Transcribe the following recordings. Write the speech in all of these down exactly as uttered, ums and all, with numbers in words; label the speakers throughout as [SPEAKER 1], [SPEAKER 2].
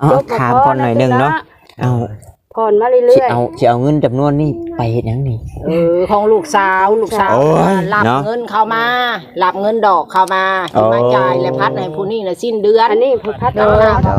[SPEAKER 1] จบถามก่อนหน่อยนึงเนาะเอา
[SPEAKER 2] ผ่อนมาเรื่อยๆ
[SPEAKER 1] เอาสิเอาเงินจำนวนนี้ไปเฮ็ดหยังนี่
[SPEAKER 3] เออของลูกสาวลูกสาวรับเงินเข้ามารับเงินดอกเข้ามามาจ่ายและพัดให้ผู้นี้น่ะสิ้นเดือน
[SPEAKER 2] อันนี้ผู้พัดเด้อ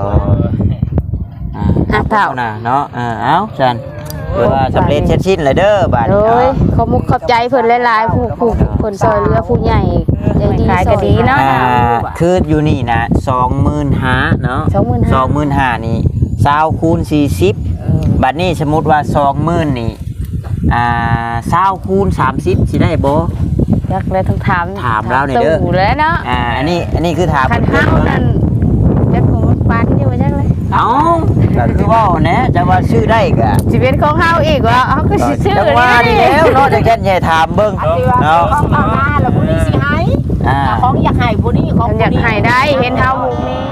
[SPEAKER 1] ห้าเท่าน่ะเนาะอ่าเอ้าจันเพื่อว่าสำเร็จเสร็จสิ้นเลยเด้อบาดนี้
[SPEAKER 2] โอ้ยขอบมุกขอบใจเพิ่นหลายๆผู้ผู้คนซอยเรือผู้ใหญ่ใจดีขายก็ดีเนาะ
[SPEAKER 1] คืออยู่นี่นะ สองหมื่นห้าพัน เนาะ สองหมื่นห้าพัน นี่ยี่สิบคูณสี่สิบบัดนี้สมมุติว่า สองหมื่น นี่อ่ายี่สิบคูณสามสิบสิได้บ่
[SPEAKER 2] อยากเลยต้องถาม
[SPEAKER 1] ถามแล้วนี่เด้อ
[SPEAKER 2] แล้วเนาะ
[SPEAKER 1] อ่าอันนี้อันนี้คือถาม
[SPEAKER 2] คันเฮานั่นจักของปานอยู่จังเลย
[SPEAKER 1] เอ้าก็คือว่าแหนะจะว่าชื่อได้ก็
[SPEAKER 2] สิเป็นของเฮาอีกว่าเฮาก็สิชื่อ
[SPEAKER 1] จังว่านี่แล้วเนาะจังแค่ใหญ่ถามเบิ่ง
[SPEAKER 3] เนาะของเอามาแล้วผู้นี้สิให้อ่าของอยากให้ผู้นี้ของ
[SPEAKER 2] อยากให้ได้เห็นเฮาหมู่นี้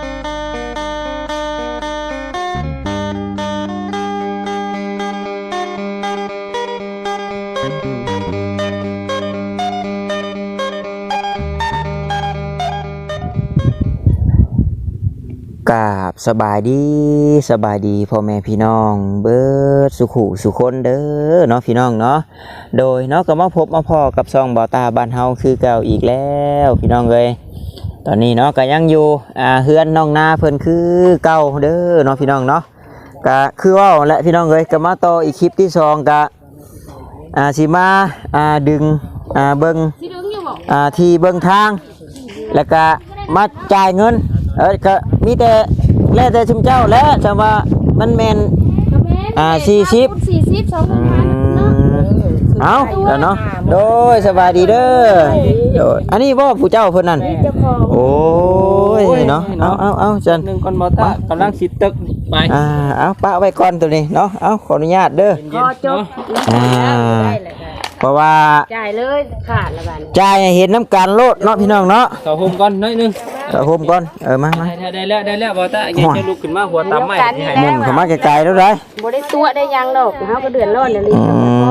[SPEAKER 1] กราบสบายดีสบายดีพ่อแม่พี่น้องเบิดสุขุสุคนเด้อเนาะพี่น้องเนาะโดยเนาะก็มาพบมาพอกับซองบ่าวตาบ้านเฮาคือเก่าอีกแล้วพี่น้องเอ้ยตอนนี้เนาะก็ยังอยู่อ่าเฮือนน้องนาเพิ่นคือเก่าเด้อเนาะพี่น้องเนาะก็คือว่าและพี่น้องเอ้ยก็มาต่ออีกคลิปที่สองก็อ่าสิมาอ่าดึงอ่าเบิ่งอ่าที่เบิ่งทางแล้วก็มาจ่ายเงินเออก็มีแต่แล้วแต่ชุมเจ้าแล้วแต่ว่ามันแมนอ่าสี่สิบ
[SPEAKER 2] สี่สิบสองพันเนาะ
[SPEAKER 1] เอาแล้วเนาะโดยสบายดีเด้อโดยอันนี้บ่ผู้เจ้าเพิ่นนั่นโอ้ยเนาะเอาเอาเอาจัน
[SPEAKER 4] หนึ่งคนบ่ตากำลังสิตึกไป
[SPEAKER 1] อ่าเอาปะไว้ก่อนตัวนี้เนาะเอาขออนุญาตเด้อ
[SPEAKER 2] พอจบ
[SPEAKER 1] อ่าเพราะว่า
[SPEAKER 2] จ่ายเลยขาดละบัด
[SPEAKER 1] จ่ายเห็นน้ำการโลดเนาะพี่น้องเนาะ
[SPEAKER 4] ต่อโฮมก่อนหน่อยนึง
[SPEAKER 1] ต่อโฮมก่อนเออมามา
[SPEAKER 4] ได้แล้วได้แล้วบ่ตาอย่าจะลุกขึ้นมาหัวตำใหม่ที่ให้
[SPEAKER 1] มุ่งเข้ามาไกลๆแล้วได้
[SPEAKER 2] บ่ได้ตัวได้ยังดอกเฮาก็เดือดร้อนเดี๋ยวนี้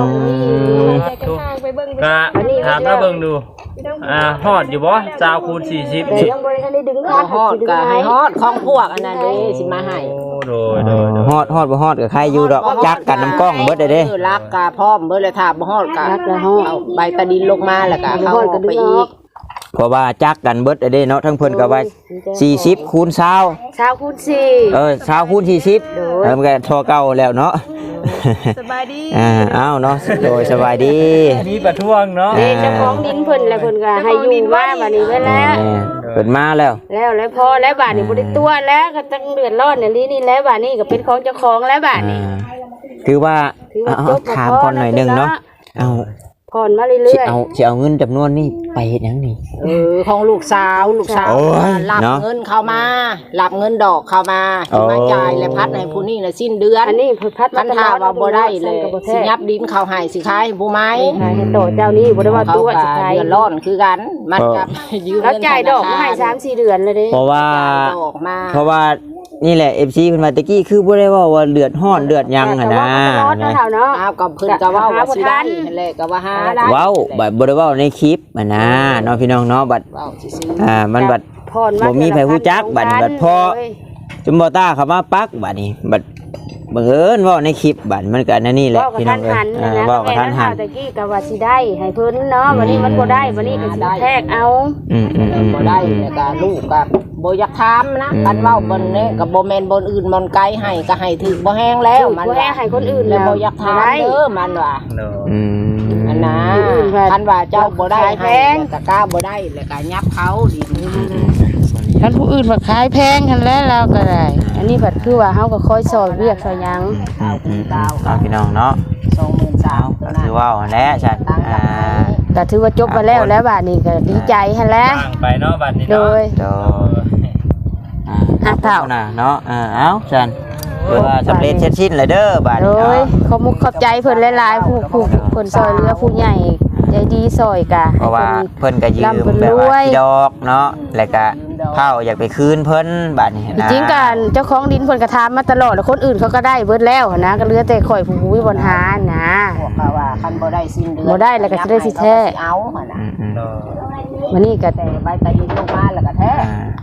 [SPEAKER 4] ก็ถามแล้วเบิ่งดูอ่าฮอดอยู่บ่สาวคูณสี่สิบนี่
[SPEAKER 2] ยังบ่ได้ทันได้ดึง
[SPEAKER 3] ฮอดก็ให้ฮอดของพวกอันนั้นเด้สิมาให้
[SPEAKER 4] โดยโดย
[SPEAKER 1] ฮอดฮอดบ่ฮอดก็ใครอยู่ดอกจักกันน้ำกล้องเบิดได้เด้
[SPEAKER 3] รักกะพร้อมเบิดเลยถ้าบ่ฮอดก็เอาใบตะดินลงมาแล้วก็เข้าไปอีก
[SPEAKER 1] เพราะว่าจักกันเบิดได้เนาะทั้งเพิ่นก็ว่าสี่สิบคูณยี่สิบ
[SPEAKER 2] ยี่สิบคูณสี่
[SPEAKER 1] เออยี่สิบคูณสี่สิบเออมันก็ทอเก่าแล้วเนาะ
[SPEAKER 2] สบายดี
[SPEAKER 1] อ่าอ้าวเนาะโดยสบายดี
[SPEAKER 4] มีประท้วงเนาะ
[SPEAKER 2] นี่เจ้าของดินเพิ่นแล้วเพิ่นก็ให้อยู่มาบัดนี้ไว้แล้ว
[SPEAKER 1] เพิ่นมาแล้ว
[SPEAKER 2] แล้วแล้วพอแล้วบัดนี้บ่ได้ตัวแล้วก็ต้องเดือดร้อนอย่างนี้นี่แล้วบัดนี้ก็เป็นของเจ้าของแล้วบัดนี้
[SPEAKER 1] คือว่าถามก่อนหน่อยนึงเนาะเอา
[SPEAKER 2] ผ่อนมาเรื่อยๆ
[SPEAKER 1] สิเอาสิเอาเงินจำนวนนี้ไปเฮ็ดหยังนี่
[SPEAKER 3] เออของลูกสาวลูกสาวรับเงินเข้ามารับเงินดอกเข้ามามาจ่ายและพัดให้ผู้นี้น่ะสิ้นเดือน
[SPEAKER 2] อันนี้พัด
[SPEAKER 3] มันถ้าว่าบ่ได้เลยสิยับดินเข้าให้สิขายผู้ไม้
[SPEAKER 2] ให้ต่อเจ้านี้บ่ได้ว่าตัวสิขาย
[SPEAKER 3] เดือดร้อนคือกันมันกับ
[SPEAKER 2] ยืมเงินแล้วจ่ายดอกมาให้ สามสี่ เดือนเลยเด้
[SPEAKER 1] เพราะว่าเพราะว่านี่แหละ เอฟ ซี เพิ่นว่าตะกี้คือบ่ได้ว่าว่าเลือดฮ้อนเลือดยังหั่นนะ
[SPEAKER 3] อ้าวก็เพิ่นก็เว้าว่าสิได้นั่นแหละก็ว่าหาได้
[SPEAKER 1] เว้าบัดบ่ได้เว้าในคลิปอ่ะนะเนาะพี่น้องเนาะบัดอ่ามันบัดบ่มีไผฮู้จักบัดบัดพอจุมบ่ตาเข้ามาปักบัดนี้บัดบังเอิญเว้าในคลิปบัดมันก็นั่นนี่แหละพี่น้องเอ้ยอ่าเว้ากับท่านหัน
[SPEAKER 2] ตะกี้ก็ว่าสิได้ให้เพิ่นเนาะวันนี้มันบ่ได้วันนี้ก็สิแทกเอา
[SPEAKER 1] อืมๆ
[SPEAKER 3] ๆบ่ได้แล้วก็ลูกก็บ่อยากถามนะกันเว้าบนนี้ก็บ่แม่นบนอื่นบนไกลให้ก็ให้ถึกบ่แห้งแล้วมัน
[SPEAKER 2] บ่แห้งให้คนอื่น
[SPEAKER 3] แล้วบ่อยากถามเด้อมันว่า
[SPEAKER 1] อืม
[SPEAKER 3] อันน่ะคันว่าเจ้าบ่ได้ให้ก็กล้าบ่ได้แล้วก็ยับเขาดิ
[SPEAKER 2] คันผู้อื่นมาขายแพงกันแล้วเราก็ได้อันนี้บัดคือว่าเฮาก็คอยซอยเรียกซอยยัง
[SPEAKER 1] เอาพี่น้องเนาะ
[SPEAKER 3] สองหมื่นสามพัน
[SPEAKER 1] ก็ถือว่าแน่ใช่อ่า
[SPEAKER 2] ก็ถือว่าจบมาแล้วแล้วบัดนี้ก็ดีใจหั่นแหละ
[SPEAKER 4] ไปเนาะบัดนี้
[SPEAKER 2] โดย
[SPEAKER 1] โดยอ่าห้าเท่าน่ะเนาะอ่าเอ้าจันเพื่อว่าสำเร็จเสร็จสิ้นเลยเด้อบัดนี้เนาะ
[SPEAKER 2] ขอบมุกขอบใจเพิ่นหลายๆผู้ผู้เพิ่นซอยเรือผู้ใหญ่ใจดีซอยกะ
[SPEAKER 1] เพราะว่าเพิ่นก็ยืมแบบว่าที่ดอกเนาะแล้วก็เผาอยากไปคืนเพิ่นบัดนี้นะ
[SPEAKER 2] จริงกันเจ้าของดินเพิ่นก็ถามมาตลอดแล้วคนอื่นเขาก็ได้เบิดแล้วนะก็เหลือแต่ข่อยผู้มีบ่หานะ
[SPEAKER 3] บอกว่าคันบ่ได้สิ้นเดือน
[SPEAKER 2] บ่ได้แล้วก็สิได้สิแท้
[SPEAKER 3] เอาหั่นน่ะ
[SPEAKER 2] วันนี้ก็
[SPEAKER 3] แต่ใบตะดินลงมาแล้วก็แท้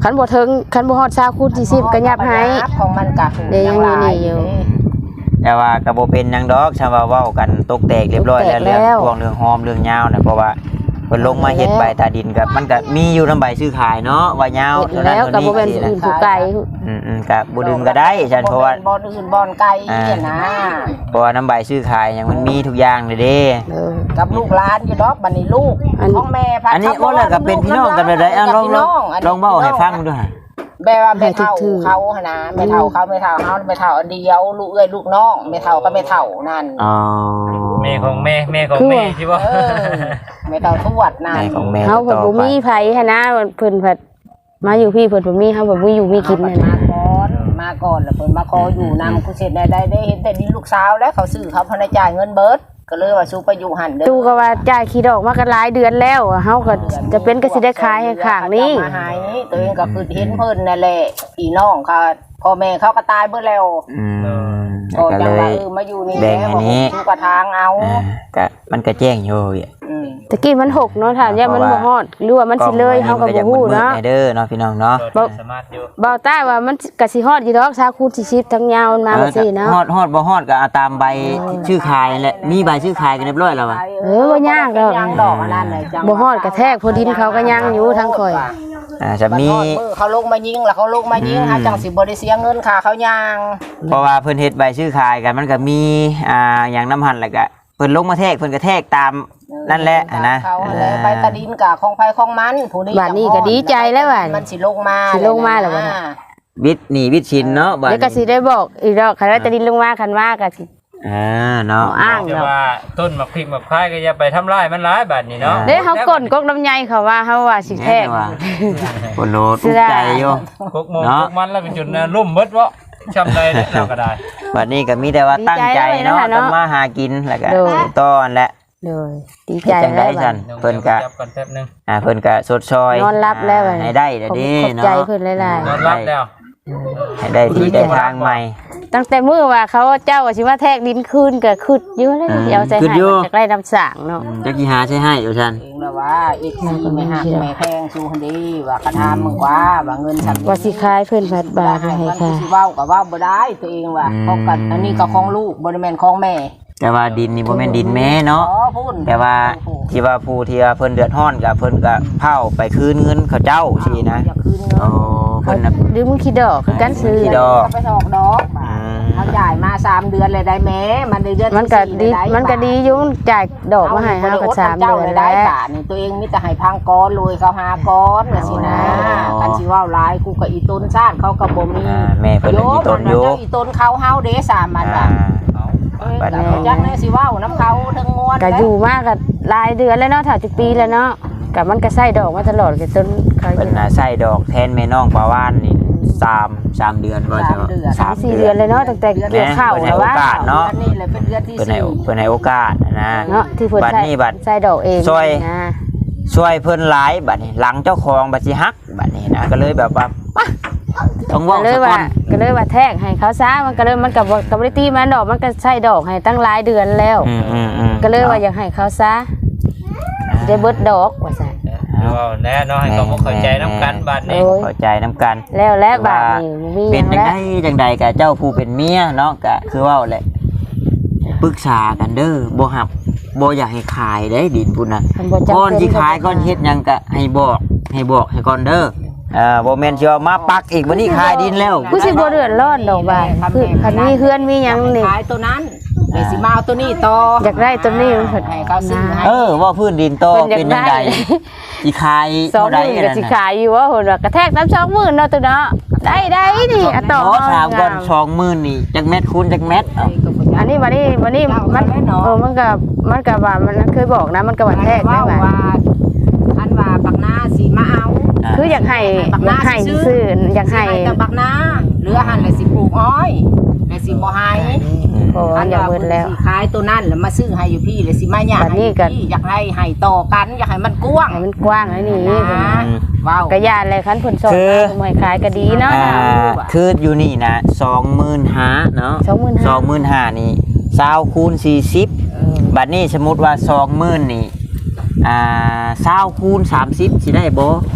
[SPEAKER 2] คันบ่ถึงคันบ่ฮอด20คูณ40ก็ยับให้
[SPEAKER 3] ของมันก็
[SPEAKER 2] เดี๋ยวยังมีนี่อยู่
[SPEAKER 1] แต่ว่าก็บ่เป็นหยังดอกชาวว่าเว้ากันตกแตกเรียบร้อยแล้ว
[SPEAKER 2] ตกแตกแล้
[SPEAKER 1] เรื่อง
[SPEAKER 2] ว
[SPEAKER 1] พวกเรื่องหอมเรื่องยาวน่ะเพราะว่าเพิ่นลงมาเฮ็ดใบตาดินกับมันก็มีอยู่นำใบซื้อขายเนาะว่ายาว
[SPEAKER 2] เฮ็ดแล้วก็บ่แม่นผู้อื่นผู้ไกล
[SPEAKER 1] อืมๆก็บ่ดึงก็ได้ฉันเพราะว่า
[SPEAKER 3] บ่อนอื่นบ่อนไกลเนี่ยนะ
[SPEAKER 1] เพราะว่าน้ำใบซื้อขายหยังมันมีทุกอย่างเลยเด้
[SPEAKER 2] เออ
[SPEAKER 3] กับลูกหลานอยู่ดอกบัดนี้ลูก
[SPEAKER 2] อัน
[SPEAKER 3] ของแม่พัด
[SPEAKER 1] อันนี้ว่าแล้วก็เป็นพี่น้องกันเลยได้อ่ะลองลองลองเว้าให้ฟังดูฮะ
[SPEAKER 3] แบบว่าแม่เฒ่าเขาหั่นนะแม่เฒ่าเขาแม่เฒ่าเฮาแม่เฒ่าอันเดียวลูกเอ้ยลูกน้องแม่เฒ่าก็แม่เฒ่านั่น
[SPEAKER 1] อ๋อ
[SPEAKER 4] แม่ของแม่แม่ของแม่ใช่ป่ะ
[SPEAKER 3] เออแม่เฒ่าทวดนั่น
[SPEAKER 1] แม่ของแม่
[SPEAKER 2] เฮาเพิ่น
[SPEAKER 1] ต่
[SPEAKER 2] บ่
[SPEAKER 1] อไป
[SPEAKER 2] มีไผหันนะเพิ่นเพิ่นมาอยู่พี่เพิ่นบ่มีเฮาเพิ่นบ่อยู่มีกิน
[SPEAKER 3] เอา
[SPEAKER 2] นั่น
[SPEAKER 3] มา
[SPEAKER 2] นะ
[SPEAKER 3] ก่อนมาก่อนแล้วเพิ่นมาขออยู่นำกูเสร็จได้ได้ได้เห็นแต่ดินลูกสาวแล้วเขาซื้อเขาพนจ่ายเงินเบิดก็เลยว่าสู้ไปอยู่หันเด้อ
[SPEAKER 2] ตู้ก็ว่าจ่ายขี้ดอกมาก็หลายเดือนแล้วเฮาก็จะเป็นก็สิได้ขายให้ข้างนี้
[SPEAKER 3] มาหายตัวเองก็คือเห็นเพิ่นนั่นแหละพี่น้องเขาพ่อแม่เขาก็ตายเบิดแล้ว
[SPEAKER 1] อืม
[SPEAKER 3] ก็
[SPEAKER 1] ก็
[SPEAKER 3] จั
[SPEAKER 1] เล
[SPEAKER 3] งว่าย เออมาอยู่นี่
[SPEAKER 1] แบ่งอันนี้
[SPEAKER 3] สู้กระทางเอา
[SPEAKER 1] อ่าก็มันก็แจ้งอยู่อ่ะ
[SPEAKER 3] อืม
[SPEAKER 2] ตะกี้มันหกเนาะถ้าย่ามันบ่ฮอดหรือว่ามันสิเลยเฮาก็บ่ฮู้เนาะ
[SPEAKER 1] มืดๆเด้อเนาะพี่น้องเนาะ
[SPEAKER 4] โดดสามารถอยู่
[SPEAKER 2] เบาใต้ว่ามันก็สิฮอดอยู่ดอก20คูณ40ทั้งยาวมันมาบ่ซี่เนาะ
[SPEAKER 1] ฮอดฮอดบ่ฮอดก็เอาตามใบชื่อขายนั่นแหละมีใบชื่อขายกันเรียบร้อยแล้วอ่ะ
[SPEAKER 2] เออบ่ยากดอก
[SPEAKER 3] ยังดอกอันนั้นเลยจัง
[SPEAKER 2] บ่ฮอดกระแทกพอดินเขาก็ยังอยู่ทั้งข่อย
[SPEAKER 1] อ่าจะ
[SPEAKER 3] บัด
[SPEAKER 1] มี
[SPEAKER 3] ฮอดมือเขาลงมายิงแล้วเขาลงมายิง
[SPEAKER 1] อืม
[SPEAKER 3] หาจังสิบ่ได้เสียเงินค่าเขายาง
[SPEAKER 1] เพราะว่าเพิ่นเฮ็ดใบชื่อขายกันมันก็มีอ่าอย่างน้ำหั่นแล้วก็เพิ่นลงมาแทกเพิ่นก็แทกตามนั่นแหละนะ
[SPEAKER 3] เขาอะไรไปตะดินกะของไผของมันผู้นี้
[SPEAKER 2] บัดนี้ก็ดีใจแล้วบัด
[SPEAKER 3] มันสิลงมา
[SPEAKER 2] สิลงมาแล้วบัดนี้
[SPEAKER 1] วิทย์หนี่วิทย์ชินเนาะบัด
[SPEAKER 2] เดี๋ยวก็สิได้บอกอีกดอกคันว่าจะดินลงมาคันว่าก็สิ
[SPEAKER 1] อ่าเนาะ
[SPEAKER 2] อ้าง
[SPEAKER 4] แต่
[SPEAKER 2] เนาะ
[SPEAKER 4] ว่าต้นมะพริกมะพร้าวก็อย่าไปทำลายมันร้ายบาดนี้เนาะ
[SPEAKER 2] เด้เฮากดกกลำไยเขาว่าเฮาว่าสิแทก
[SPEAKER 1] ว่าโอ้โหถูกใจอยู่
[SPEAKER 4] พวกหมงพวกมันแล้วเป็นจุดนะล่มเบิดวะจำได้เนี่ยเราก็ได้
[SPEAKER 1] วันนี้ก็มีแต่ว่าตั้งใจเนาะทำมาหากินแล้วก็ต้อนและ
[SPEAKER 2] โดยดีใจ
[SPEAKER 1] จัง
[SPEAKER 2] แล้
[SPEAKER 1] ได้
[SPEAKER 2] วบั
[SPEAKER 1] ฉั
[SPEAKER 2] ด
[SPEAKER 1] นเพิ่นก็
[SPEAKER 4] จับก่อนแป๊บนึง
[SPEAKER 1] อ่าเพิ่นก็สดซอย
[SPEAKER 2] นอนรับแล้วบัด
[SPEAKER 1] ให้ได้เดี๋ยวนี้
[SPEAKER 2] ขอบ
[SPEAKER 1] เนาะ
[SPEAKER 2] ใจเพิ่นหลาย
[SPEAKER 4] นอนรับแล้ว
[SPEAKER 1] ให้ได้ที่ได้ทางใหม่
[SPEAKER 2] ๆตั้งแต่มื้อว่าเขาเจ้าว่าสิมาแทกดินคืนก็คึดอยู่แล้วเดี๋ยวใส่ให้มันจะได้น้ำสางเนาะ
[SPEAKER 1] จักกี่หาใช่ให้อยู่ฉัน
[SPEAKER 3] เองแล้วว่าอีกสิไม่หักแม่แพงสู้คนดีว่ากระทำมึงกว่าว่าเงินสัก
[SPEAKER 2] ว่าสิขายเพิ่นพัดบาทให้
[SPEAKER 3] มัน
[SPEAKER 2] ค่ะ
[SPEAKER 3] สิเว้าก็เว้าบ่ได้ตัวเองว่าของกันอันนี้ก็ของลูกบ่ได้แม่นของแม่
[SPEAKER 1] แต่ว่าดินนี่บ่แม่นดินแม่เนาะ
[SPEAKER 3] อ๋อพูด
[SPEAKER 1] แต่ว่าที่ว่าผู้ที่ว่าเพิ่นเดือดร้อนก็เพิ่นก็เผาไปคืนเงินเขาเจ้าสินะ
[SPEAKER 3] อย่าคืนเงิน
[SPEAKER 1] โอ้เพิ่นน่ะ
[SPEAKER 2] หรือมึงคิดดอกคือกันซื้อ
[SPEAKER 1] ขี้ดอก
[SPEAKER 3] ไปถอกดอกมา
[SPEAKER 1] อืม
[SPEAKER 3] เขาจ่ายมาสามเดือนเลยได้แม้มันได้เดือน
[SPEAKER 2] มันก็
[SPEAKER 3] ที่
[SPEAKER 2] ดี
[SPEAKER 3] สี่เลยไ
[SPEAKER 2] มันก็ดีอยู่จ่ายดอกมาให้เฮาก็สามเดือน
[SPEAKER 3] ได้
[SPEAKER 2] แล้ว
[SPEAKER 3] บาทนี่ตัวเองมีแต่ให้พังก้อนเลยเขาหาก้อนน่ะสินะ
[SPEAKER 1] อ๋อ
[SPEAKER 3] กันสิเว้าหลายกูก็อีต้นซ่านเขาก็บ่มี
[SPEAKER 1] อ่าแม่เพิ่นน่ะมีต้นอยู่
[SPEAKER 3] โยมมันน่ะเจ้าอีต้นเขาเฮาเด้สามมัน
[SPEAKER 1] อ่า
[SPEAKER 3] ว่ะ
[SPEAKER 1] บัดนี้
[SPEAKER 3] เอ้ยจักแน่สิเว้าน้ำเขาทั้งมวล
[SPEAKER 2] ก็อยู่มากก็หลายเดือนแล้วเนาะถ้าจะปีแล้วเนาะก็มันก็ใส่ดอกมาตลอดก็จนเขา
[SPEAKER 1] เพิ่นน่ะใส่ดอกแทนแม่น้องปลาวานนี่สาม สามเดือนบ่
[SPEAKER 3] สา
[SPEAKER 1] ใช่
[SPEAKER 3] ม
[SPEAKER 1] บ่
[SPEAKER 3] เดือน
[SPEAKER 2] สามสี่เดือนเลยเนาะตั้งแต่เกี่ยวข้าว
[SPEAKER 1] แม่
[SPEAKER 2] แล้วว่า
[SPEAKER 1] โอกาสเนาะ
[SPEAKER 3] ดือนี่เลยเป็นเดือนที่
[SPEAKER 1] เพิ่นให้
[SPEAKER 3] สี่
[SPEAKER 1] เพิ่นให้โอกาสนะ
[SPEAKER 2] เนาะที่เพิ่น
[SPEAKER 1] บัด
[SPEAKER 2] ใส่
[SPEAKER 1] นี้บัด
[SPEAKER 2] ใส่ดอกเอง
[SPEAKER 1] ช่วย
[SPEAKER 2] นะ
[SPEAKER 1] ช่วยเพิ่นหลายบัดนี้หลังเจ้าของบัดสิฮักบัดนี้นะก็เลยแบบว่ามาต้อง
[SPEAKER 2] ก็
[SPEAKER 1] เว้า
[SPEAKER 2] เลย
[SPEAKER 1] ซะก่
[SPEAKER 2] ว่า
[SPEAKER 1] อน
[SPEAKER 2] ก็เลยว่าแทกให้เขาซะมันก็เลยมันก็บ่ก็บ่ได้ตีมันดอกมันก็ใส่ดอกให้ตั้งหลายเดือนแล้ว
[SPEAKER 1] อืมอืมอืม
[SPEAKER 2] ก็เลยว่าอยากให้เขาซะสิได้เบิดดอกว่าซั่น
[SPEAKER 4] เอาแน่เนาะให้เขาบ่เข้าใจน้ำกันบาดนี้
[SPEAKER 2] โอ้ย
[SPEAKER 1] เข้าใจน้ำกัน
[SPEAKER 2] แล้วและบาดนี้มีห
[SPEAKER 1] เป็
[SPEAKER 2] ยั
[SPEAKER 1] น
[SPEAKER 2] ง
[SPEAKER 1] จัง
[SPEAKER 2] แล้ว
[SPEAKER 1] ไดจังใดกับเจ้าผู้เป็นเมียเนาะก็คือเว่าแหละปรึกษากันเด้อบ่หับบ่อยากให้ขายได้ดินพุ่นน่ะ
[SPEAKER 2] คันบ่จำ
[SPEAKER 1] ก่อน
[SPEAKER 2] เป็น
[SPEAKER 1] สิขายก่อนเฮ็ดหยังก็ให้บอกให้บอกให้ก่อนเด้ออ่าบ่แม่นสิเอามาปักอีกบัดนี้ขายดินแล้ว
[SPEAKER 2] กูสิบ่เดือดร้อนดอกบาดคือคันมีเฮือนมีหยังนี่
[SPEAKER 3] ขายตัวนั้นเดี๋ยวสิมาเอาตัวนี้ต่อ
[SPEAKER 2] อยากได้ตัวนี้มันเพิ่น
[SPEAKER 3] ให้เขาซื้อให้
[SPEAKER 1] เออว่าพื้นดินโต
[SPEAKER 2] เพิ่นอยาก
[SPEAKER 1] เป็นจัง
[SPEAKER 2] ได้
[SPEAKER 1] ไดสิขาย
[SPEAKER 2] สอง
[SPEAKER 1] เท่า
[SPEAKER 2] ห
[SPEAKER 1] ใด
[SPEAKER 2] มื่นก็
[SPEAKER 1] นั่น
[SPEAKER 2] สิ
[SPEAKER 1] น่ะ
[SPEAKER 2] ขายอยู่ว่าเพิ่นว่ากระแทกน้ำสองหมื่นเนาะตัวเนาะได้ได้นี่อะต่อ
[SPEAKER 1] โอ้ถามก่อน
[SPEAKER 2] งาม
[SPEAKER 1] สองหมื่นนี่จักเม็ดคูณจักเม็ดเอ้า
[SPEAKER 2] อันนี้วันนี้วันนี้มันเออมันก็มันก็ว่ามันเคยบอกนะมันก็ว่าแทกได้
[SPEAKER 3] ว่า
[SPEAKER 2] ว่า
[SPEAKER 3] ว่าท่านว่าบักหน้าสิมาเอา
[SPEAKER 2] คืออยากให้อยากให้ซื้ออยากให้
[SPEAKER 3] สิแต่บักหน้าเหลือหันเลยสิปลูกอ้อยเลยสิบ่ให้
[SPEAKER 2] โอ้อยากเบิดแล้ว
[SPEAKER 3] สิขายตัวนั้นแล้วมาซื้อให้อยู่พี่เลยสิมาหยา
[SPEAKER 2] บัดนี้ก็
[SPEAKER 3] อยากให้ให้ต่อกันอยากให้มันกว้าง
[SPEAKER 2] ให้มันกว้างแล้วนี่
[SPEAKER 3] นะว้าว
[SPEAKER 2] กระยานอะไรคันผลสด
[SPEAKER 1] คือ
[SPEAKER 2] สมัยขายก็ดีเนาะ
[SPEAKER 1] อ่าคืออยู่นี่นะสองหมื่นห้าเนาะ
[SPEAKER 2] สองหมื่น
[SPEAKER 1] ส
[SPEAKER 2] ห้า
[SPEAKER 1] องหมื่นห้านี่สาวคูณสี่สิบบัดนี้สมมติว่าสองหมื่นนี่อ่าสาวคูณสามสิบสิได้บ่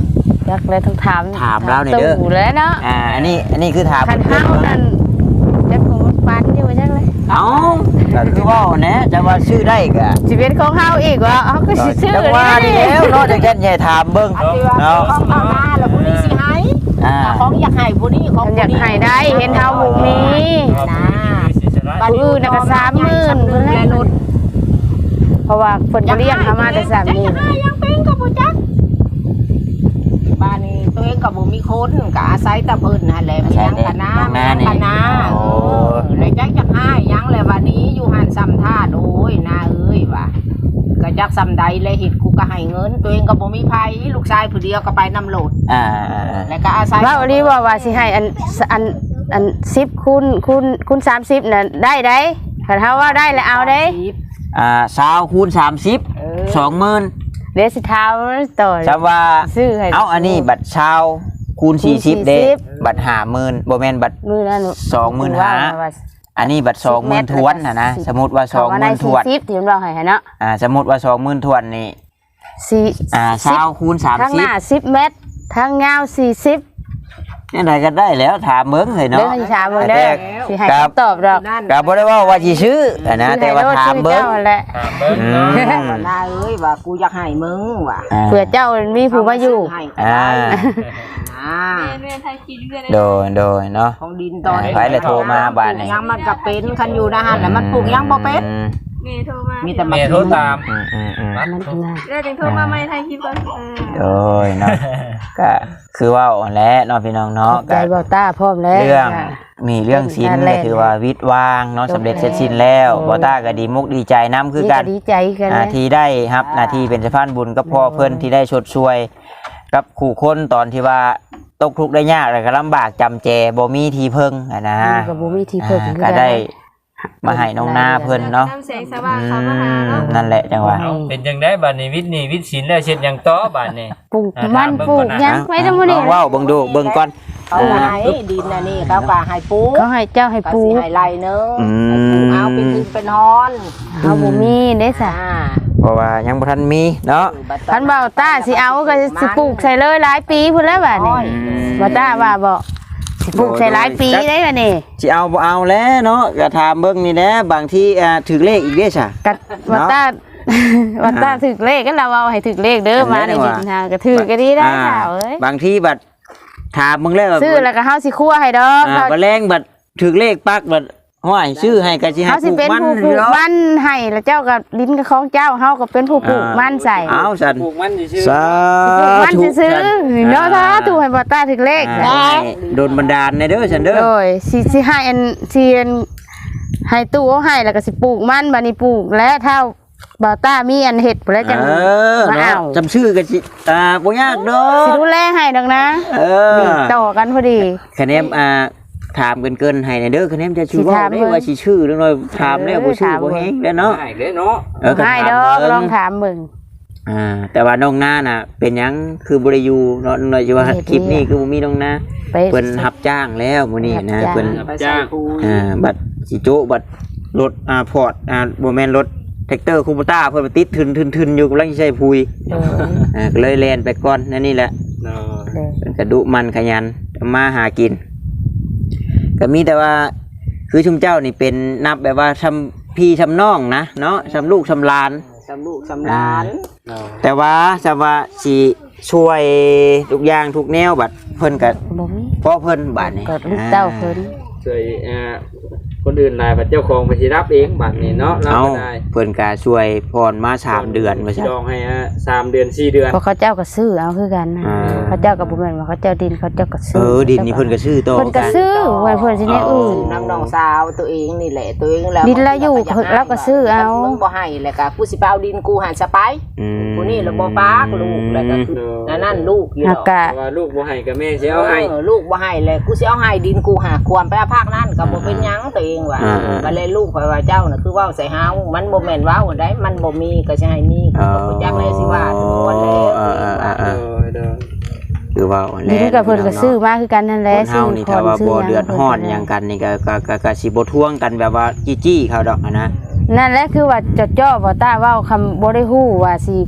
[SPEAKER 2] จักแล้วต้องถาม
[SPEAKER 1] ถามเราหน่อยเด้อ
[SPEAKER 2] ตู่แล้วเนาะ
[SPEAKER 1] อ่าอันนี้อันนี้คือถาม
[SPEAKER 2] คันเฮานั่นจักของมันปันอยู่จักเลย
[SPEAKER 1] เอ้าก็คือว่าเนี่ยจะว่าชื่อได้ก็
[SPEAKER 2] สิเป็นของเฮาอีกว่าเฮาก็สิชื่อ
[SPEAKER 1] จังว่านี่แล้วเนาะจังแค่ใหญ่ถามเบิ่ง
[SPEAKER 3] อันที่ว่า
[SPEAKER 1] เนาะ
[SPEAKER 3] ของเอาหน้าแล้วผู้นี้สิให้
[SPEAKER 1] อ่า
[SPEAKER 3] ของอยากให้ผู้นี้ของ
[SPEAKER 2] อยากให้ได้เห็นเฮาบ่มี
[SPEAKER 3] นะ
[SPEAKER 2] ผู้อื่นน่ะก็สามหมื่นพุ่นแหละ เพราะว่าเพิ่นก็เลี้ยงเฮามาแต่สามนี่
[SPEAKER 3] อยากให้ยังเป็นกับบ่จักบ้านนี้ตัวเองก็บ่มีคนก็อาศัยแต่เพิ่นนั่นแหละมียังคณะมียังคณะเออเลยจักจักให้ยังแหละวันนี้อยู่หันซ้ำท่าโอ้ยนาเอ้ยว่ะก็จักซ้ำใดเลยเฮ็ดกูก็ให้เงิน ตัวเองก็บ่มีไผลูกชายผู้เดียวก็ไปนำโหลด
[SPEAKER 1] อ่า
[SPEAKER 3] แล้วก็อาศัย
[SPEAKER 2] ว่าวันนี้ว่าว่าสิให้อันอันอัน10คูณคูณคูณสามสิบน่ะได้ได้ถ้าเฮาว่าได้แล้วเอาได้
[SPEAKER 1] อ่าสาวคูณสามสิบสองหมื่น
[SPEAKER 2] เดี๋ยวสิถามต่อ
[SPEAKER 1] จำว่า
[SPEAKER 2] ซื้อให้
[SPEAKER 1] เอาอันนี้บัตรชาวคูณ
[SPEAKER 2] คูณ
[SPEAKER 1] สี่สิบเด้
[SPEAKER 2] สี่สิบ
[SPEAKER 1] บัตรห้าหมื่นบ่แม่นบัตร
[SPEAKER 2] มื้อนั้น
[SPEAKER 1] สองหมื่นห้า
[SPEAKER 2] ว่า
[SPEAKER 1] อันนี้บัตรสองหมื่นทวนนะนะสมมุติว่าสองหมื่นทวน
[SPEAKER 2] สี่สิบที่มันบอกให้เนาะ
[SPEAKER 1] อ่าสมมุติว่าสองหมื่นทวนนี่
[SPEAKER 2] สี่
[SPEAKER 1] อ่าชาวคูณสาม
[SPEAKER 2] ทาง
[SPEAKER 1] สิ
[SPEAKER 2] ห
[SPEAKER 1] บ
[SPEAKER 2] น้าสิบเมตรทางยาวสี่สิบ
[SPEAKER 1] นี่ไหนก็ได้แล้วถามเบิ่งเลย
[SPEAKER 2] เด้
[SPEAKER 1] เนาะ
[SPEAKER 2] อสิถามเบิ่งเด้อสิให้
[SPEAKER 1] ครับ
[SPEAKER 2] คำตอบดอก
[SPEAKER 3] นั่น
[SPEAKER 1] ก็บ่ได้ว่าว่าสิซื้ออะนะแต่ว่าถามเบิ่ง
[SPEAKER 2] สิให้โลดชื่อเจ้าแหละ
[SPEAKER 4] ถามเบิ่ง
[SPEAKER 1] อื
[SPEAKER 4] เนาะ
[SPEAKER 1] ม
[SPEAKER 3] ว่านาเอ้ยว่ากูอยากให้มึงว่ะ
[SPEAKER 1] อ่า
[SPEAKER 2] เผื่อเจ้ามีผู้มาอยู่
[SPEAKER 3] ให้ก็
[SPEAKER 1] อ่า
[SPEAKER 3] ได้อ่า
[SPEAKER 1] โดยโดยเนาะ
[SPEAKER 3] ของดินตอนนี้
[SPEAKER 1] ไปเลยโทรมาบ้านนี่
[SPEAKER 3] ยังมันก็เป็นคันอยู่นะฮะแล้วมันปลูกยังบ่เป็น
[SPEAKER 1] อืม
[SPEAKER 5] เมย์โทรมา
[SPEAKER 3] มีแต่
[SPEAKER 4] แม่โทรตาม
[SPEAKER 1] อืมอืมอืม
[SPEAKER 2] มันน่ะ
[SPEAKER 5] แล้วจึงโทรมาไม่ไทยคลิปก่อนเออ
[SPEAKER 1] โดยเนาะก็คือว่าอ่อนแล้วเนาะพี่น้องเนาะ
[SPEAKER 2] ใจ
[SPEAKER 1] ก็
[SPEAKER 2] เบาตาพร้อมแล้ว
[SPEAKER 1] เรื่อง
[SPEAKER 2] ค่ะ
[SPEAKER 1] มีเรื่องศิลป์
[SPEAKER 2] เรื่
[SPEAKER 1] ก็
[SPEAKER 2] องการเล่น
[SPEAKER 1] ถือว่าวิทย์วางเนาะ
[SPEAKER 2] จบ
[SPEAKER 1] สำเร็จ
[SPEAKER 2] แล้ว
[SPEAKER 1] เสร็จสิ้นแล้ว
[SPEAKER 2] โอ้
[SPEAKER 1] บอต้าก็ดีมุกดีใจน้ำคือกัน
[SPEAKER 2] ดีใจกัน
[SPEAKER 1] อ่า
[SPEAKER 2] นะ
[SPEAKER 1] ที่ได้ครับหน้าที่เป็นสะพานบุญกับพ่อเพิ่นที่ได้ชดช่วย กับขู่คนตอนที่ว่าตกทุกข์ได้ยากแล้วก็ลำบากจำแจบ่มีที่พึ่งอะนะ
[SPEAKER 2] มันก็บ่มีที่เพิ่น
[SPEAKER 1] อ่าก็ได้มาให้น้องนาเพิ่นเนาะ
[SPEAKER 5] น้ำแสงสว่าง
[SPEAKER 1] อื
[SPEAKER 5] เขามาหาม เนาะ
[SPEAKER 1] นั่นแหละจังหวะ
[SPEAKER 4] เอาเป็นจังได๋บัดนี้วิทย์นี่วิทย์ศิลป์แล้วเช็ดหยังต่อบัดนี้
[SPEAKER 2] ปลูก
[SPEAKER 4] อ่า
[SPEAKER 2] มัน
[SPEAKER 4] ถาม
[SPEAKER 2] ปลูก
[SPEAKER 4] เบิ่งก่อนนะ
[SPEAKER 2] ยังไว้ทั้งหมด
[SPEAKER 1] ล
[SPEAKER 2] นี่
[SPEAKER 1] องเว้าเบิ่งดูเบิ่งก่อน
[SPEAKER 3] เขาก็ให้ดินน่ะนี่เขาก็ให้ปลูก
[SPEAKER 2] เขาให้เจ้าให้
[SPEAKER 3] ก็
[SPEAKER 2] ปลู
[SPEAKER 3] สิ
[SPEAKER 2] ก
[SPEAKER 3] ให้ไร่นึง
[SPEAKER 1] อืม
[SPEAKER 3] ให้ปลูกเอาเป็นดินเป็นฮอน
[SPEAKER 2] เฮาบ่มีเด้ซะ
[SPEAKER 3] อ่า
[SPEAKER 1] เพราะว่ายังบ่ทันมีเนาะ
[SPEAKER 2] คันเบาตาสิเอาก็สิปลูกใส่เลยหลายปีพุ่นแล้วบัดนี้เบาตาว่าบ่สิปลูกใส่หลายปีได้บัดนี้
[SPEAKER 1] สิเอาบ่เอาแล้วเนาะก็ถามเบิ่งนี่แหละบางทีอ่าถึกเลขอีกเด้ซะ
[SPEAKER 2] กัดวัตตา วัตตาถึกเลขก็เราเอาให้ถึกเลขเด้อมาในดินทางก็ถือก็ดีได้ค่ะเอ้ย
[SPEAKER 1] บางทีบัดถามมึงแล้ว
[SPEAKER 2] ซื้อแล้วก็เฮาสิคั่วให้ดอก
[SPEAKER 1] อ่าบัดแรงบัดถึกเลขปักบัดห้อยซื้อให้ก็สิให้
[SPEAKER 2] เฮาสิ
[SPEAKER 1] ปลูก
[SPEAKER 2] เป็น
[SPEAKER 1] มัน
[SPEAKER 2] ผู้ปลูกมันให้แล้วเจ้าก็ลิ้นกับของเจ้าเฮาก็เป็นผู้ปลูกมันใส่
[SPEAKER 1] เอาสัน
[SPEAKER 4] ปลูกมันซื่อ
[SPEAKER 1] สา
[SPEAKER 2] ปลูกมัน
[SPEAKER 1] ธุ
[SPEAKER 2] ซื้อๆเนาะถ้าถูกให้วัตตาถึกเลข
[SPEAKER 1] อ่าโดนบันดาลในเด้อฉันเด้อ
[SPEAKER 2] โดยสิสิให้อันสิอันให้ตู้เอาให้แล้วก็สิปลูกมันบัดนี้ปลูกและถ้าบ่าวต้ามีอันเฮ็ดพุ่นแล้วจัง
[SPEAKER 1] เออ
[SPEAKER 2] มา
[SPEAKER 1] เนาะ
[SPEAKER 2] เอา
[SPEAKER 1] จำชื่อก็สิอ่าบ่ยากดอ
[SPEAKER 2] สิ
[SPEAKER 1] ก
[SPEAKER 2] ดูแลให้ดอกนะ
[SPEAKER 1] เออ
[SPEAKER 2] นี่ต่อกันพอดี
[SPEAKER 1] คะแนนอ่าถามเกินเกินๆให้ในเด้อคะแนนจะชื่อ
[SPEAKER 2] สิ
[SPEAKER 1] ว่า
[SPEAKER 2] ถาม
[SPEAKER 1] ได้
[SPEAKER 2] เบิ่ง
[SPEAKER 1] ว่าสิชื่อเรื่องน้อยถามแล้วบ่ชื่อ
[SPEAKER 2] ถาม
[SPEAKER 1] บ่
[SPEAKER 2] เบิ่ง
[SPEAKER 1] แฮงแล้วเนาะ
[SPEAKER 4] ๆง่ายเลยเนาะ
[SPEAKER 1] เออก็
[SPEAKER 2] ให้
[SPEAKER 1] ถาม
[SPEAKER 2] ดอก
[SPEAKER 1] เบิ่ง
[SPEAKER 2] ลองถามมึง
[SPEAKER 1] อ่าแต่ว่าน้องนาน่ะ เป็นหยังคือบ่ได้อยู่เนาะน้อยว่า
[SPEAKER 2] เฮ็ด
[SPEAKER 1] คลิปนี้
[SPEAKER 2] เวียก
[SPEAKER 1] คือบ่มีน้องนา
[SPEAKER 2] ไป
[SPEAKER 1] เพิ่นรับจ้างแล้วมื้อนี้นะ
[SPEAKER 2] รับจ้าง
[SPEAKER 1] เพิ่น
[SPEAKER 3] ไปใส่ปูน
[SPEAKER 1] อ่าบัตรสิโจบัตรรถอ่าพอร์ตอ่าบ่แม่นรถแท็กเตอร์คูปต้าเพิ่นไปติดทึนๆๆอยู่กำลังสิใช้พุย
[SPEAKER 2] เออ
[SPEAKER 1] อ่าก็เลยแล่นไปก่อนนั่นนี่แหละ
[SPEAKER 4] เนาะ
[SPEAKER 2] เลย
[SPEAKER 1] เพิ่นก็ดุมันขยันทำมาหากินก็มีแต่ว่าคือชุมเจ้านี่เป็นนับแบบว่าทำพี่ทำน้องนะเนาะทำลูกทำหลาน
[SPEAKER 3] สำลูกสำหลาน
[SPEAKER 4] เนาะ
[SPEAKER 1] แต่ว่าจะว่าสิช่วยทุกอย่างทุกแนวบัดเพิ่นก็
[SPEAKER 2] บ่มี
[SPEAKER 1] เพราะเพิ่นบาดนี่
[SPEAKER 2] ก็ลูกเต้าเพิ่น
[SPEAKER 4] ช่วยอ่าคนอื่นหลายบัดเจ้าของไปสิรับเองบัดนี้เนาะรับ
[SPEAKER 1] เอา
[SPEAKER 4] บ่ได้
[SPEAKER 1] เพิ่นก็ช่วยพรมาสามเดือนว่า
[SPEAKER 4] สิ
[SPEAKER 1] ซั่น
[SPEAKER 4] ดองให้อ่ะสามเดือนสี่เดือน
[SPEAKER 2] เพราะเขาเจ้าก็ซื้อเอาคือกันนะ
[SPEAKER 1] อ่า
[SPEAKER 2] เขาเจ้าก็บ่แม่นว่าเขาเจ้าดินเขาเจ้าก็ซื้
[SPEAKER 1] เออดินนี่เพิ่นก็ซื้อต่อ
[SPEAKER 2] เพิ่นก็
[SPEAKER 1] กัน
[SPEAKER 2] ซื้อไว้เพิ่นสิแนวอื่น
[SPEAKER 3] ซื้อน้ำน้องสาวตัวเองนี่แหละตัวเองแล้ว
[SPEAKER 2] ดินละอยู่เราก็ซื้อเอา
[SPEAKER 3] มึงบ่ให้แล้วก็กูสิไปเอาดินกูหันสไป
[SPEAKER 1] อืม
[SPEAKER 3] กูนี่แล้วบ่ปากลูกแล้วก็คือนั่นนั่นลูกอยู่
[SPEAKER 2] หั
[SPEAKER 3] ด
[SPEAKER 2] ก
[SPEAKER 3] อก
[SPEAKER 2] กะ
[SPEAKER 4] เพราะว่าลูกบ่ให้กับแม่สิเอาให้
[SPEAKER 3] เออลูกบ่ให้เลยกูสิเอาให้ดินกูหาควรไปเอาภาคนั้นก็บ่เป็นหยังตัวเองว่ะ
[SPEAKER 1] อ่า
[SPEAKER 3] ก็เลยลูกข่อยว่าเจ้าน่ะคือเว้าใส่เฮามันบ่แม่นเว้าอันใดมันบ่มีก็สิให้มีกูก็บ่จักเลยสิว่าทุกคนแล้ว
[SPEAKER 1] เออเออเออเอ
[SPEAKER 4] เอ
[SPEAKER 1] อ
[SPEAKER 4] อเด้อ
[SPEAKER 1] คือว่า
[SPEAKER 2] ดินกับเพิ่นก็ซื้อมาคือกันนั่นแห
[SPEAKER 1] ค
[SPEAKER 2] ละ
[SPEAKER 1] นเฮานี่ถ้าว่าบ่เดือดร้อนหยังกันนี่ก็ก็ก็ก็สิบ่ทวงกันแบบว่าจี้ๆเขาดอกอะนะ
[SPEAKER 2] นั่นแหละคือว่าจดจ่อบ่ตาเว้าคำบ่ได้ฮู้ว่าสิ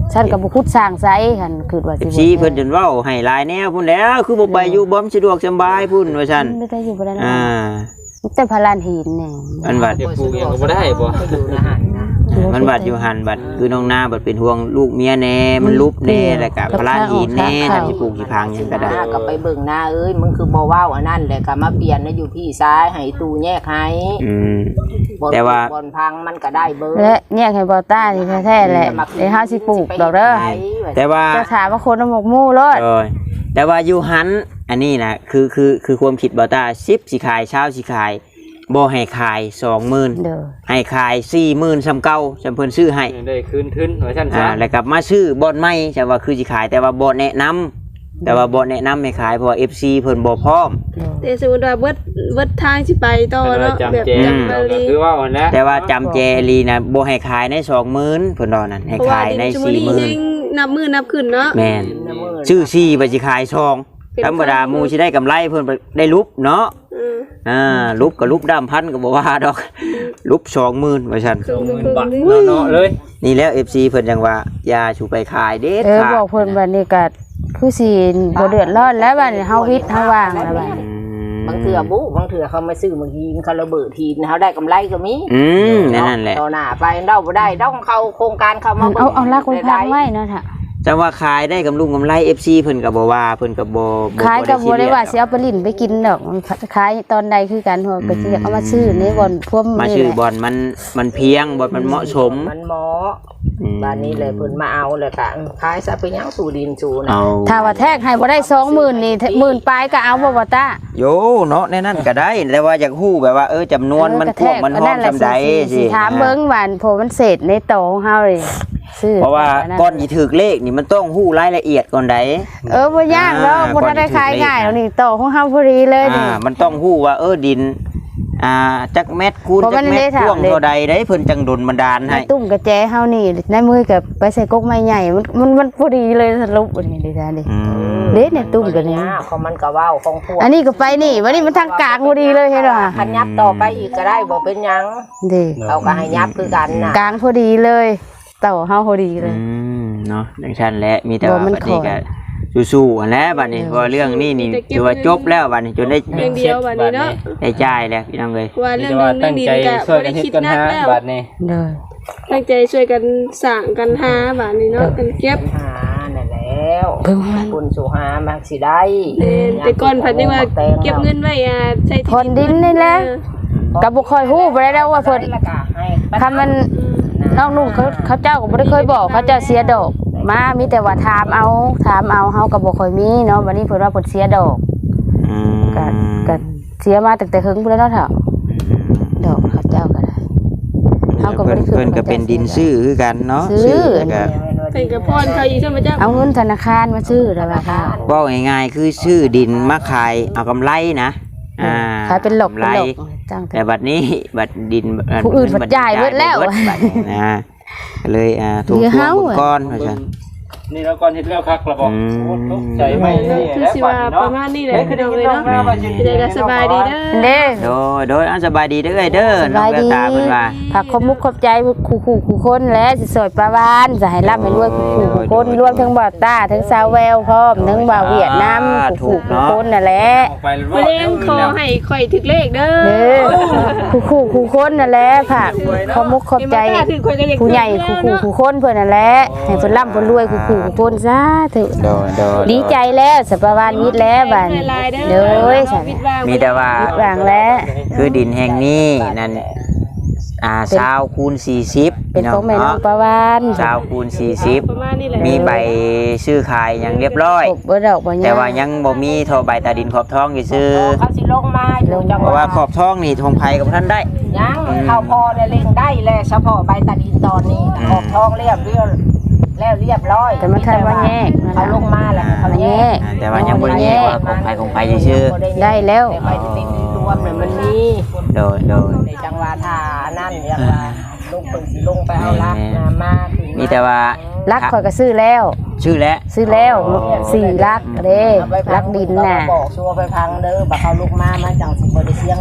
[SPEAKER 2] ฉันก็บ่คุดสร้างไสหั่นคือว่าสิ
[SPEAKER 1] ซีเพิ่นจนเว้าให้หลายแนวพุ่นแล้วคือบ่ไปอยู่บ่สะดวกสบายพุ่นว่าซั่น
[SPEAKER 2] ไม่ได้อยู่บ่ได้
[SPEAKER 1] อ่า
[SPEAKER 2] แต่พลานหินนี่
[SPEAKER 1] มันบัด
[SPEAKER 4] เดี๋ยวปลูกยังก็บ่ได้บ่
[SPEAKER 3] ก็อยู่นะฮะนะ
[SPEAKER 1] มันบัดอยู่หันบัดคือน้องนาบัดเป็นห่วงลูกเมียแน่มันลุบแน่แล้วก็พลานหินแน่ทำสิปลูกสิพังหยังก็ได้
[SPEAKER 3] หน้าก็ไปเบิ่งหน้าเอ้ยมึงคือบ่เว้าอันนั้นแหละก็มาเปลี่ยนนะอยู่พี่ซ้ายให้ตู้แยกให้
[SPEAKER 1] อืม
[SPEAKER 3] บ่
[SPEAKER 1] แต่ว่า
[SPEAKER 3] บ่พังมันก็ได้เบิ่ง
[SPEAKER 2] และเนี่ยให้บ่ต้านี่แท้ๆแหละเดี๋ยวเฮาสิปลูกดอกเด้อ
[SPEAKER 1] แต่ว่า
[SPEAKER 2] จะถามว่าคนน้ำหมกมู่รอด
[SPEAKER 1] เออแต่ว่าอยู่หันอันนี้นะคือคือคือความคิดบ่ตาสิบสิขายเช้าสิขายบ่ให้ขายสองหมื่น
[SPEAKER 2] เด้อ
[SPEAKER 1] ให้ขายสี่หมื่นซ้ำเก่าจำเพิ่นซื้อให้
[SPEAKER 4] ได้คืนทุนว่าซั่น
[SPEAKER 1] อ่า
[SPEAKER 4] ซะ
[SPEAKER 1] แล้วกลับมาซื้อบ่อนใหม่จะว่าคือสิขายแต่ว่าบ่แนะนำแต่ว่าบ่แนะนำให้ขายเพราะว่า เอฟ ซี เพิ่นบ่พร้อม
[SPEAKER 5] แต่สมมุติว่าเบิดเบิดทางสิไปต่อเนาะแบบ
[SPEAKER 4] จำแจ
[SPEAKER 5] จำบา
[SPEAKER 4] ก็
[SPEAKER 5] ลี
[SPEAKER 4] คือว่าอันนั้น
[SPEAKER 1] แต่ว่าจำแจลีนะบ่ให้ขายในสองหมื่นเพิ่นว่านั่นให้
[SPEAKER 5] เพราะว่า
[SPEAKER 1] ขายใน
[SPEAKER 5] ดินชุม
[SPEAKER 1] สี่
[SPEAKER 5] นี
[SPEAKER 1] หมื่น
[SPEAKER 5] แห่งนับมือนับขึ้นเนาะ
[SPEAKER 1] แม่นซื้อสี่บ่สิขายสองธรรมดาหมู่สิได้กำไรเพิ่นได้ลุบเนาะ
[SPEAKER 5] อืม
[SPEAKER 1] อ่าลุบกับลุบดำพันก็บอกว่าดอก ลุบสองหมื่นว่าฉัน
[SPEAKER 4] สองหมื่นบาทเนาะเลย
[SPEAKER 1] นี่แล้วเอฟซีเพิ่นจังว่าอยาชูไปขายเด็ด
[SPEAKER 2] เออ
[SPEAKER 1] ขาด
[SPEAKER 2] บอกเพิ่นบัดนี้ก็คือสิบ่เดือดร้อนแล้วบัดนี้เฮาวิทย์เฮาว่างแล้วบัดนี้
[SPEAKER 3] บางเถื่อบุบางเถื่อเขามาซื้อบางทีเขาระเบิดทีเขาได้กำไรก็มี
[SPEAKER 1] อืมนั่นแหละ
[SPEAKER 3] ต่อหน้าไปเดาบ่ได้ต้องเข้าโครงการเข้ามา
[SPEAKER 2] เอาเอาลักคนพังไว้เนาะค่ะ
[SPEAKER 1] จังว่าขายได้กำลุงกำไร เอฟ ซี เพิ่นก็บ่ว่าเพิ่นก็บ่บ่
[SPEAKER 2] ขายก็บ่ได้ว่าสิ
[SPEAKER 1] ซีเรียส
[SPEAKER 2] เอาไปลิ้นไปกินดอกขายตอนใดคือกันหัวก็สิอยากเอามาซื้อในบ่อนพวม
[SPEAKER 1] มา
[SPEAKER 2] นี่
[SPEAKER 1] ชื่อ
[SPEAKER 2] แหละ
[SPEAKER 1] บอลมันมันเพียงบอลมันเหมาะสม
[SPEAKER 3] มันเหมาะ
[SPEAKER 1] อืม
[SPEAKER 3] บ้านนี้เลยเพิ่นมาเอาเลยค่ะขายซะไปยังสู่ดินสู่นะ
[SPEAKER 1] เอา
[SPEAKER 2] ถ้าว่าแทกให้บ่ได้สองหมื่นนี่หมื่นปลายก็เอาบ่บ่ตา
[SPEAKER 1] โยเนาะในนั้นก็ได้แต่ว่าอยากฮู้แบบว่าเออจำนวนมันพวกมันห้องจำใดสิ
[SPEAKER 2] ถามเบิ่งว่าเพราะมันเศษในโตของเฮาเลยซื้อ
[SPEAKER 1] เพราะว่าก่อนสิถึกเลขนี่มันต้องฮู้รายละเอียดก่อนใด
[SPEAKER 2] เออบ่ยากเนาะ
[SPEAKER 1] อ่า
[SPEAKER 2] บ่ทันได้ขายง่ายแล้วนี่โตของเฮาพอดีเลยนี่
[SPEAKER 1] อ่ามันต้องฮู้ว่าเออดินอ่าจักเม็ดคูณ
[SPEAKER 2] เพราะ
[SPEAKER 1] จั
[SPEAKER 2] มั
[SPEAKER 1] ก
[SPEAKER 2] น
[SPEAKER 1] เม็ด
[SPEAKER 2] ได้ถาม
[SPEAKER 1] พ่วง
[SPEAKER 2] เลย
[SPEAKER 1] เท่าใดได้เพิ่นจังดลบันดาลให้
[SPEAKER 2] ตุ้มกระแจเฮานี่ในมือกับไปใส่กกไม้ใหญ่มันมันมันพอดีเลยสรุปอันนี้ดิจ้าดิ
[SPEAKER 1] อืม
[SPEAKER 2] เด็ดเนี่ยตุ้มกันนี่
[SPEAKER 3] เขามันก็เว้าของพวก
[SPEAKER 2] อันนี้ก็ไปนี่วันนี้มันทางกลางพอดีเลยเห็นบ่
[SPEAKER 3] คันยับต่อไปอีกก็ได้บ่เป็นหยัง
[SPEAKER 2] ดิ
[SPEAKER 3] เขาก็ให้ยับคือกันน่ะ
[SPEAKER 2] กลางพอดีเลยเต่าเฮาพอดีเลย
[SPEAKER 1] อืมเนาะดังชั้นแหละมีแต่ว่า
[SPEAKER 2] บ่มัน
[SPEAKER 1] บัดนี้
[SPEAKER 2] ขอ
[SPEAKER 1] ก็สู้ๆอันแหล้วบัดนี้เพราะเรื่องนี้นี่ถือว่าจบแล้วบัดนี้จนได้
[SPEAKER 5] เพียงเดียวบัดนี้เนาะ
[SPEAKER 1] ได้จ่ายแล้วพี่น้องเอ้ย
[SPEAKER 5] ว่า
[SPEAKER 4] นี่
[SPEAKER 5] เรื่อง
[SPEAKER 4] แต่
[SPEAKER 5] นึ
[SPEAKER 4] ว่าง
[SPEAKER 5] เรื่
[SPEAKER 4] ตั้
[SPEAKER 5] อง
[SPEAKER 4] ง
[SPEAKER 5] ดิน
[SPEAKER 4] ใจ
[SPEAKER 5] ก็
[SPEAKER 4] ช่วยกันเฮ็ดกันหา
[SPEAKER 5] บ่ได้คิดนักแล้ว
[SPEAKER 4] บาดนี้
[SPEAKER 2] เด้อ
[SPEAKER 5] ตั้งใจช่วยกันสร้างกันหาบัดนี้เนาะกันเก็บ
[SPEAKER 3] หานั่นแล้ว
[SPEAKER 2] เบิ่งมัน
[SPEAKER 3] คุณสู่หามักสิได้
[SPEAKER 5] เออแต่ก่อนผัดนี่ว่าเก็บเงินไว้อ่าใช้ที่
[SPEAKER 2] พรดินนี่แหละก็บ่ค่อยฮู้บ่ได้แล้วว่าเพิ่น
[SPEAKER 3] แล้วก็ให้
[SPEAKER 2] คำมันน้องนุ่งเขาเขาเจ้าก็บ่ได้เคยบอกเขาเจ้าเสียดอกมามีแต่ว่าถามเอาถามเอาเฮาก็บ่ค่อยมีเนาะวันนี้เพิ่นว่าเพิ่นเสียดอก
[SPEAKER 1] อืม
[SPEAKER 2] ก็ก็เสียมาตั้งแต่หึงพุ่นแล้วเนาะเฒ่าดอกเขาเจ้าก็ได้ เขาก็บ่
[SPEAKER 1] เพิ่น
[SPEAKER 2] ได้ขึ้น
[SPEAKER 1] เพิ่นก็เป็นดินซื้อคือกันเนาะ
[SPEAKER 2] ซื้อ
[SPEAKER 1] แล้วก็
[SPEAKER 5] เป็นกับพรเขาอีกใช่ไหมจ๊ะ
[SPEAKER 2] เอาเงินธนาคารมาซื้อแล้วว่าค่ะ
[SPEAKER 1] เว้าง่ายๆคือซื้อดินมาขายเอากำไรนะอ่า
[SPEAKER 2] ขายเป็นหลอก
[SPEAKER 1] กำ
[SPEAKER 2] เป็น
[SPEAKER 1] ไร
[SPEAKER 2] หลอกจ้างแต่
[SPEAKER 1] แต่บัดนี้บัดดิน
[SPEAKER 2] ผู้อื่นบัดจ่ายเบิดแล้ว
[SPEAKER 1] บัดนี้นะก็เลยอ่าถูก
[SPEAKER 2] เหลือ
[SPEAKER 1] ทว
[SPEAKER 2] เฮาง อะ
[SPEAKER 1] ก้อนว่าซั่น
[SPEAKER 4] นี่แล้วก่อนเฮ็ดแล้วคักละบ่
[SPEAKER 1] อืม
[SPEAKER 4] โอ้ตกใจไหมนี่
[SPEAKER 5] คือ
[SPEAKER 4] แล้ว
[SPEAKER 5] สิ
[SPEAKER 4] บา
[SPEAKER 5] ว่า
[SPEAKER 4] ดนี้
[SPEAKER 5] ป
[SPEAKER 4] เนาะ
[SPEAKER 5] ระมาณนี้แหละพี่น้องเลยเนาะ
[SPEAKER 4] เป็น
[SPEAKER 5] ใจก็สบายดีเด้อ
[SPEAKER 2] เด้
[SPEAKER 1] โดยโดยเอาสบายดีเด้อเด้อ
[SPEAKER 2] ส
[SPEAKER 1] น้อบ
[SPEAKER 2] าง ย
[SPEAKER 1] แวว
[SPEAKER 2] ดี
[SPEAKER 1] ตาเพิ่นว่า
[SPEAKER 2] ผักขมุกขอบใจคู่คู่คู่คนและสิสอยปลาวานจะให้ร่ำให้รวยคู่คู่คู่คนรวมทั้งบ่าวต้าทั้งสาวแววพร้อมทั้งบ่าวเวียดนามคู่คู่คู่คนนั่นแหละ
[SPEAKER 4] ออกไปแล้ว
[SPEAKER 5] มะเร็งคอให้ข่อยถึกเลขเด้อ
[SPEAKER 2] เด้อคู่คู่คู่คนนั่นแหละผักขมุกขอบใจ
[SPEAKER 5] ถึกข่อยก็อยาก
[SPEAKER 2] ผู้ใหญ่คู่คู่คู่คนเพิ่นนั่นแหละให้เพิ่นร่ำเพิ่นรวยคู่คู่คู่คนซะเถอะ
[SPEAKER 1] โดยโดย
[SPEAKER 2] ดีใจแล้วสัปวานวิทย์แล้วบัด
[SPEAKER 5] ลายเด้อ
[SPEAKER 2] เด้อฉัน
[SPEAKER 1] มีแต่ว่า
[SPEAKER 2] วิทย์วางแล้ว
[SPEAKER 1] คือดินแห่งนี้นั่นอ่าชาวคูณสี่สิบ
[SPEAKER 2] เป็นของแม่น้องปลาวาน
[SPEAKER 1] ชาวคูณสี่สิบ
[SPEAKER 5] ประมาณนี้แหละ
[SPEAKER 1] มีใบซื้อขายอย่างเรียบร้อย
[SPEAKER 2] ครบบ่ดอกบ่ย
[SPEAKER 1] แต่ว่ายังบ่มีโทรใบตาดินขอบท้องอยู่ซื้อ
[SPEAKER 3] เขาสิลงมาอยู่จัง
[SPEAKER 1] เพราะว่าขอบท้องนี่ทงไผกับท่านได้
[SPEAKER 3] ยังเข้าพอเนี่ยเล่งได้แลเฉพาะใบตาดินตอนนี้ขอบทองเรียบเรียบแล้วเรียบร้อย
[SPEAKER 2] แต่มันทันว่าแยกนะ
[SPEAKER 3] เขาลงมาแล้วเขาแยก
[SPEAKER 1] อ่าแต่ว่ายังบ่ได้แยกว่าของไผของไผซื่อ
[SPEAKER 2] ได้แล้ว
[SPEAKER 3] แต่ใบตาดินรวมเนี่ยมันมี
[SPEAKER 1] ๆโดยโดย
[SPEAKER 3] ในจังหวะทานั่นอย่างว่าลงปึงสิลงไปเอาลักนามาถึง
[SPEAKER 1] มีแต่ว่า
[SPEAKER 2] รักข่อยก็ซื้อแล้ว
[SPEAKER 1] ชื่อแล้ว
[SPEAKER 2] ซื้อแล้วสี่ลักเด้
[SPEAKER 3] เอาไปพั
[SPEAKER 2] ลั
[SPEAKER 3] ง
[SPEAKER 2] กดินน่ะ
[SPEAKER 3] บอกชัวร์ไปพังเด้อบ่เขาลูกมามาจังสิบ่ได้เสียเงิน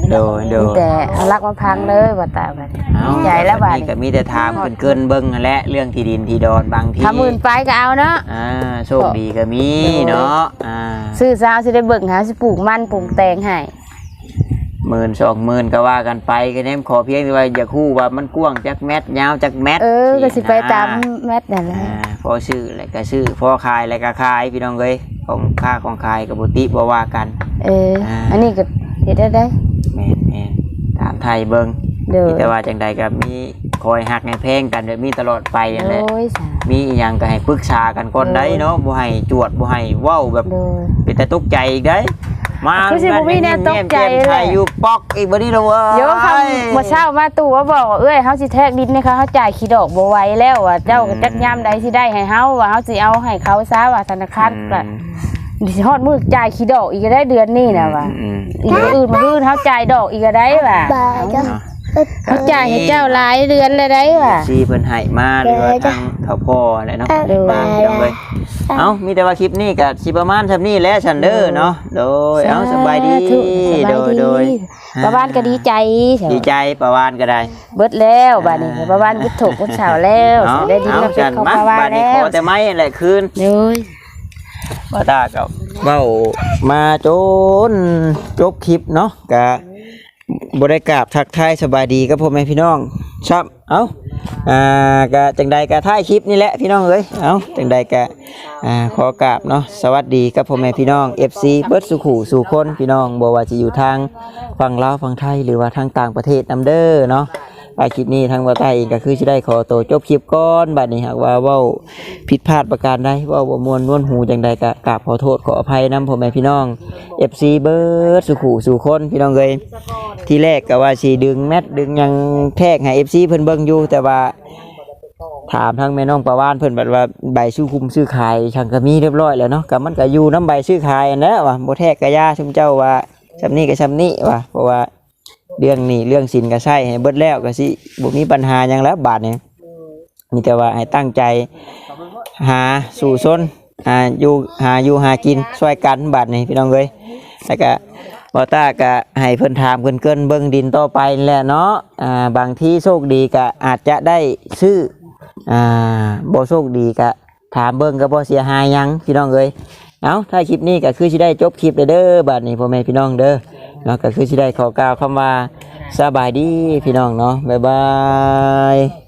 [SPEAKER 1] โดยโดย
[SPEAKER 2] แต่เอารักมาพังเลยบ่ตาบัดนี้
[SPEAKER 1] เอา
[SPEAKER 2] ดีใจแล้วบัด
[SPEAKER 1] นี่
[SPEAKER 2] นี้
[SPEAKER 1] ก็มีแต่ถามเกินๆเบิ่งนั่นแหละเรื่องที่ดินที่ดอนบางที
[SPEAKER 2] ถ้าหมื่นไปก็เอาเนาะ
[SPEAKER 1] อ่าโชคดีก็มีเนาะอ่า
[SPEAKER 2] ซื้อซาวสิได้เบิ่งหาสิปลูกมันปลูกแตงให้
[SPEAKER 1] หมื่นสองหมื่นก็ว่ากันไปก็แนมขอเพียงแต่ว่าอย่าคู่ว่ามันกว้างจักเม็ดยาวจักเม็ด
[SPEAKER 2] เออก็สิไปตาม
[SPEAKER 1] นะ
[SPEAKER 2] แมทนั่นแหละ
[SPEAKER 1] อ่าพอซื้ออะไรก็ซื้อพอขายอะไรก็ขายพี่น้องเอ้ยของค่าของขายกับบุติบ่ว่ากัน
[SPEAKER 2] เออ
[SPEAKER 1] อ่า
[SPEAKER 2] อันนี้ก็เฮ็ดได้ได้
[SPEAKER 1] แม่นแม่นถามไทยเบิ่ง
[SPEAKER 2] เด้อ
[SPEAKER 1] มีแต่ว่าจังใดก็มีคอยหักให้แพงกันเดี๋ยวมีตลอดไปนั่นแหละ
[SPEAKER 2] โอ้ยสา
[SPEAKER 1] มีอีหยังก็ให้ปรึกษากันก่อนได้เนาะบ่ให้จวดบ่ให้เว้าแบบ
[SPEAKER 2] โดย
[SPEAKER 1] เป็นแต่ตกใจอีกได้มา
[SPEAKER 2] คือสิบ่มีแนวตกใจ
[SPEAKER 1] แม่ม
[SPEAKER 2] เลย
[SPEAKER 1] ไทยอยู่ปอกอีกบ่นี้แล้วเว้ย
[SPEAKER 2] เดี๋ยวเขาบ่เช้ามาตู่ว่าบอกว่าเอ้ยเฮาสิแทรกดินให้เขาเฮาจ่ายขี้ดอกบ่ไหวแล้วว่าเจ้าจักยามใดสิได้ให้เฮาว่าเฮาสิเอาให้เขาซะว่าธนาคารก็สิฮอดมื้อจ่ายขี้ดอกอีกก็ได้เดือนนี้น่ะว่า
[SPEAKER 1] อืม
[SPEAKER 2] อีกอื่นมาอื่นเฮาจ่ายดอกอีกก็ได้ว่ะ
[SPEAKER 1] เนาะ
[SPEAKER 2] เฮาจ่ายให้เจ้าหลายเดือนเลยได้ว่ะ
[SPEAKER 1] ซีเพิ่นให้มาหรือว่าทางเขาพ่อแหละเนาะ
[SPEAKER 2] เออ
[SPEAKER 1] มาพี่น้องเอ้ยเอ้ามีแต่ว่าคลิปนี้ก็สิประมาณซำนี้แหละซันเด้อเนาะโดยเอ้าสบายดี
[SPEAKER 2] สบาย
[SPEAKER 1] โดยโดย
[SPEAKER 2] ประวานก็ดีใจ
[SPEAKER 1] ดีใจประวานก็ได้
[SPEAKER 2] เบิดแล้วบัดนี้ประวานบุตรถูกบุตรสาวแล้ว
[SPEAKER 1] เนาะ
[SPEAKER 2] ได้ดิน
[SPEAKER 1] เอา
[SPEAKER 2] มาเป็
[SPEAKER 1] จั
[SPEAKER 2] น
[SPEAKER 1] น
[SPEAKER 2] ของ
[SPEAKER 1] มา
[SPEAKER 2] ประวาน
[SPEAKER 1] บัดนี้
[SPEAKER 2] แล้
[SPEAKER 1] ข
[SPEAKER 2] ว
[SPEAKER 1] อแต่ไม้นั่นแหละคืน
[SPEAKER 2] เลย
[SPEAKER 1] บ่ตาก็เว้ามาโจนจบคลิปเนาะก็บ่ได้กราบทักทายสบายดีกับพ่อแม่พี่น้องครับเอ้าอ่าก็จังใดก็ท้ายคลิปนี่แหละพี่น้องเอ้ยเอ้าจังใดก็อ่าขอกราบเนาะสวัสดีกับพ่อแม่พี่น้อง เอฟ ซี เบิดสุขุสู่คนพี่น้องบ่ว่าจะอยู่ทางฝั่งลาวฝั่งไทยหรือว่าทางต่างประเทศนำเด้อเนาะไปคลิปนี้ทางบ่าวใต้เองก็คือสิได้ขอตัวจบคลิปก่อนบัดนี้หากว่าเว้าผิดพลาดประการใดเว้าบ่ม่วนนวลหูจังใดก็กราบขอโทษขออภัยนํพ่อแม่พี่น้อง เอฟ ซี เบิดสุขุสู่คนพี่น้องเอ้ยทีแรกก็ว่าสิดึงแมทดึงหยังแทกให้ เอฟ ซี เพิ่นเบิ่งอยู่แต่ว่าถามทางแม่น้องประวานเพิ่นบัดว่าใบซื้อคุมซื้อขายช่างก็มีเรียบร้อยแล้วเนาะก็มันก็อยู่นํใบซื้อขายนั่นแหละว่าบ่แทกก็ย่าชุมเจ้าว่าซำนี้ก็ซำนี้ว่าเพราะว่าเรื่องนี้เรื่องสินก็ใช้ให้เบิดแล้วก็สิบ่มีปัญหาหยังแล้วบาดนี้มีแต่ว่าให้ตั้งใจหาสู่ซนหาอยู่หาอยู่หากินช่วยกันบาดนี้พี่น้องเอ้ยแล้วก็บ่ตาก็ให้เพิ่นถามเกินๆเบิ่งดินต่อไปนั่นแหละเนาะอ่าบางที่โชคดีก็อาจจะได้ซื้ออ่าบ่โชคดีก็ถามเบิ่งก็บ่เสียหายหยังพี่น้องเอ้ยเอาถ้าคลิปนี้ก็คือสิได้จบคลิปเด้อบัดนี้พ่อแม่พี่น้องเด้อเนาะก็คือสิได้ขอกล่าวคำว่าสบายดีพี่น้องเนาะบ๊ายบาย